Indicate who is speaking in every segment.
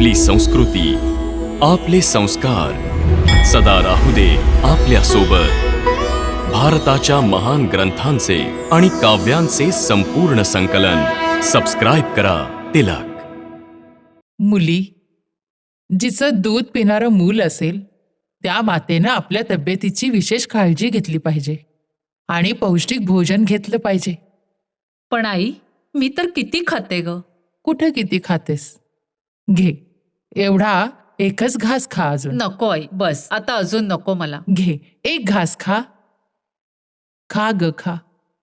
Speaker 1: आपली संस्कृती, आपले संस्कार सदा राहू दे आपल्या सोबत. भारताच्या महान ग्रंथांचे आणि काव्यांचे संपूर्ण संकलन. सबस्क्राईब करा तिलक.
Speaker 2: मुली, जिचं दूध पिणारं मूल असेल त्या मातेनं आपल्या तब्येतीची विशेष काळजी घेतली पाहिजे आणि पौष्टिक भोजन घेतलं पाहिजे.
Speaker 3: पण आई, मी तर किती खाते ग.
Speaker 2: कुठं किती खातेस? घे, एवढा एकच घास खा. अजून
Speaker 3: नको आई, बस आता, अजून नको मला.
Speaker 2: घे, एक घास खा. खा ग खा.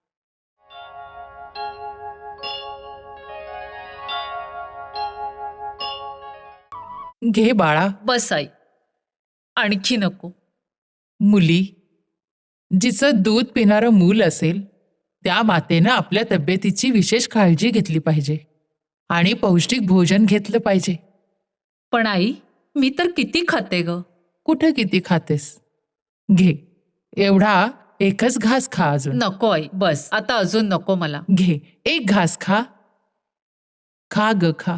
Speaker 2: घे बाळा.
Speaker 3: बस आई, आणखी नको.
Speaker 2: मुली, जिचं दूध पिणारं मूल असेल त्या मातेनं आपल्या तब्येतीची विशेष काळजी घेतली पाहिजे आणि पौष्टिक भोजन घेतलं पाहिजे.
Speaker 3: पण आई, मी तर किती खाते ग.
Speaker 2: कुठं किती खातेस? घे, एवढा एकच घास खा. अजून
Speaker 3: नको आई, बस आता, अजून नको मला.
Speaker 2: घे, एक घास खा. खा ग खा.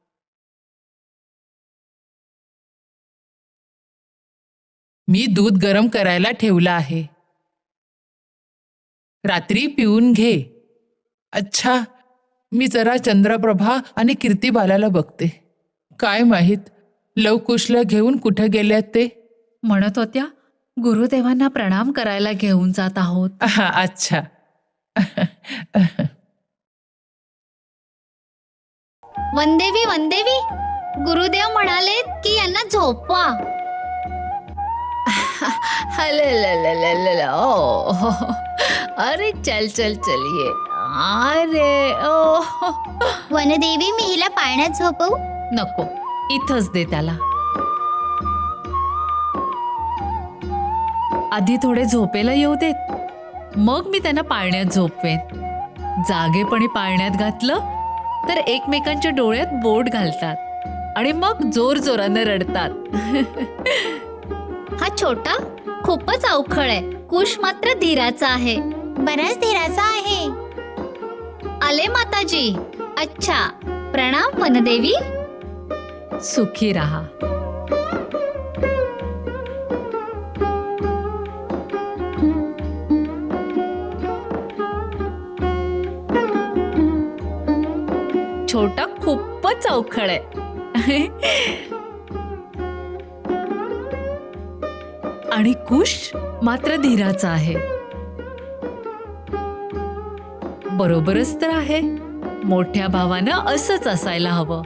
Speaker 2: मी दूध गरम करायला ठेवलं आहे, रात्री पिऊन घे. अच्छा, मी जरा चंद्रप्रभा आणि कीर्तिबालाला बघते. काय माहीत लवकुशला घेऊन कुठं गेल्यात ते.
Speaker 3: म्हणत होत्या गुरुदेवांना प्रणाम करायला घेऊन जात आहोत.
Speaker 2: हा, अच्छा.
Speaker 4: वनदेवी वनदेवी, गुरुदेव म्हणाले की यांना झोपवा.
Speaker 3: अरे चल चल चलिए. अरे ओ.
Speaker 4: वनदेवी, मी हिला पाळण्यात झोपवू?
Speaker 3: नको, इथंच दे त्याला. आधी थोडे झोपेला येऊ देत, मग मी त्यांना पाळण्यात झोपवेन. जागेपणी पाळण्यात घातलं तर एकमेकांच्या डोळ्यात बोट घालतात आणि मग जोर जोरानं रडतात.
Speaker 4: हा छोटा खूपच अवखळ आहे. कुश मात्र धीराचा आहे. बराच धीराचा आहे. आले माताजी. अच्छा, प्रणाम वनदेवी.
Speaker 3: सुखी राहा. छोटा खूपच अवखळ आहे. आणि कुश मात्र धीराचा आहे. बरोबरच तर आहे. मोठ्या भावानं असंच असायला हवं.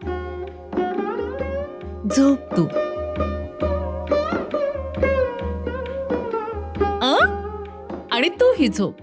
Speaker 3: झोप तू. आणि तूही झोप.